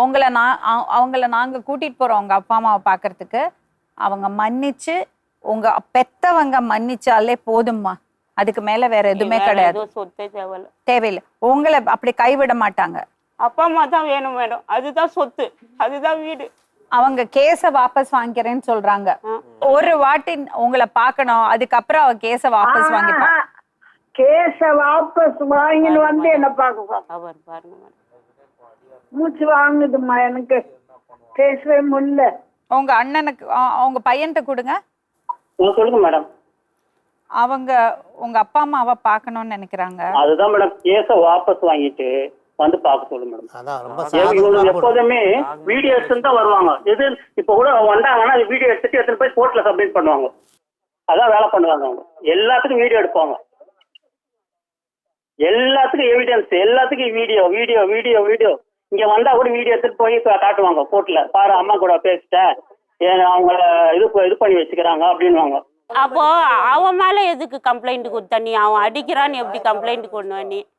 அவங்கள நாங்க கூட்டிட்டு போறோம் உங்க அப்பா அம்மாவை பாக்குறதுக்கு. அவங்க மன்னிச்சு, உங்க பெத்தவங்க மன்னிச்சாலே போதும்மா. அதுக்கு மேல வேற எதுவுமே கிடையாது. சொத்தே தேவையில்ல. தேவையில்லை. உங்களை அப்படி கைவிட மாட்டாங்க. அப்பா அம்மா தான் வேணும் மேடம். அதுதான் சொத்து, அதுதான் வீடு. அவங்க கேஸ வாபஸ் வாங்கிக்கிறேன்னு சொல்றாங்க. ஒரு வாட்டி உங்களை பார்க்கணும், அதுக்கப்புறம் அவ கேஸ வாபஸ் வாங்கிப்பா. கேஸ வாபஸ் வாங்கின்னு வந்து என்ன பார்க்க அவர் பாருங்க மேடம். மூச்சு வாங்குதுமா, எனக்கு பேசவே முடியல. உங்க அண்ணனுக்கு அவங்க பையன்கிட்ட கொடுங்க. சொல்லுங்க மேடம். அவங்க உங்க அப்பா அம்மாவை பார்க்கணும்னு நினைக்கிறாங்க. அதுதான் மேடம், கேஸ வாபஸ் வாங்கிட்டு வந்து பார்க்க சொல்லுங்க மேடம். எப்போதுமே வீடியோ எடுத்துட்டு தான் வருவாங்க. எது இப்ப கூட வந்தாங்கன்னா வீடியோ எடுத்துட்டு எடுத்துட்டு போய் கோர்ட்ல சப்மிட் பண்ணுவாங்க. அதான் வேலை பண்ணுவாங்க அவங்க. எல்லாத்துக்கும் வீடியோ எடுப்பாங்க, எல்லாத்துக்கும் எவிடன்ஸ், எல்லாத்துக்கும் வீடியோ வீடியோ வீடியோ வீடியோ. இங்க வந்தா கூட வீடியோ எடுத்துட்டு போய் காட்டுவாங்க கோர்ட்ல. பாரு அம்மா கூட பேசிட்டேன், அவங்க இது பண்ணி வச்சுக்கிறாங்க அப்படின்வாங்க. அப்போ அவன் மேல எதுக்கு கம்ப்ளைண்ட் கொடுத்த நீ? அவன் அடிக்கிறான்னு எப்படி கம்ப்ளைண்ட் கொண்டு நீ?